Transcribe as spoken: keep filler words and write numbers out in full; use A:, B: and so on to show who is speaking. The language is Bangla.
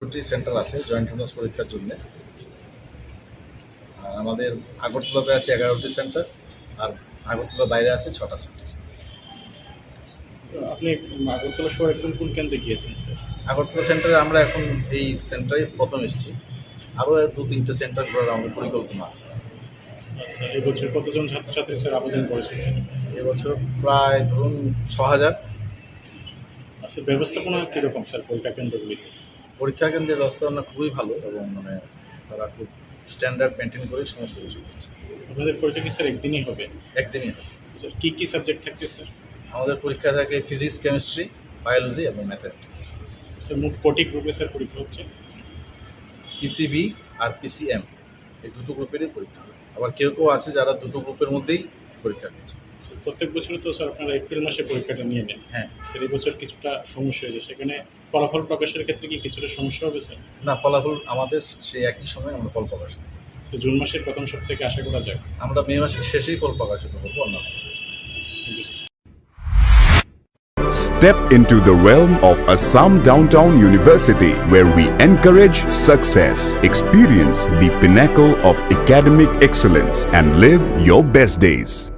A: দুটি সেন্টার আছে জয়েন্ট অনার্স পরীক্ষার জন্য। আর আমাদের আগরতলাতে আছে এগারোটি সেন্টার, আর আগরতলার বাইরে আছে ছটা সেন্টার।
B: আপনি আগরতলা শহরে কোন কোন কেন্দ্রে গিয়েছেন স্যার?
A: আগরতলা সেন্টারে আমরা এখন এই সেন্টারে প্রথম এসেছি, আরও দু তিনটে সেন্টার করার আমাদের পরিকল্পনা আছে।
B: আচ্ছা, এবছর কতজন ছাত্রছাত্রী স্যার আবেদন করেছেন স্যার?
A: এবছর প্রায় ধরুন ছ হাজার।
B: আচ্ছা, ব্যবস্থাপনা কীরকম স্যার পরীক্ষা কেন্দ্রগুলিতে?
A: পরীক্ষা কেন্দ্রের ব্যবস্থাপনা খুবই ভালো এবং মানে তারা খুব স্ট্যান্ডার্ড মেনটেন করে সমস্ত কিছু করছে।
B: আপনাদের পরীক্ষা কি স্যার একদিনই হবে?
A: একদিনই হবে।
B: স্যার কী কী সাবজেক্ট থাকছে স্যার?
A: আমাদের পরীক্ষা থাকে ফিজিক্স, কেমিস্ট্রি, বায়োলজি এবং ম্যাথামেটিক্স।
B: স্যার মোট কটি গ্রুপে স্যার পরীক্ষা হচ্ছে?
A: পিসিবি আর পিসিএম এই দুটো গ্রুপেরই পরীক্ষা হবে। আবার কেউ কেউ আছে যারা দুটো গ্রুপের মধ্যেই পরীক্ষা দিচ্ছে।
B: স্যার প্রত্যেক বছরই তো স্যার আপনারা এপ্রিল মাসে পরীক্ষাটা নিয়ে নেন।
A: হ্যাঁ,
B: স্যার এই বছর কিছুটা সমস্যা হয়েছে, সেখানে ফলাফল প্রকাশের ক্ষেত্রে কি কিছুটা সমস্যা হবে স্যার?
A: না, ফলাফল আমাদের সেই একই সময় আমরা ফল প্রকাশ করি।
B: তো জুন মাসের প্রথম সপ্তাহে আশা করা যায়?
A: আমরা মে মাসের শেষেই ফল প্রকাশিত করবো অন্যান্য।
B: Thank you sir.
C: Step into the realm of Assam Downtown University, where we encourage success, experience the pinnacle of academic excellence, and live your best days.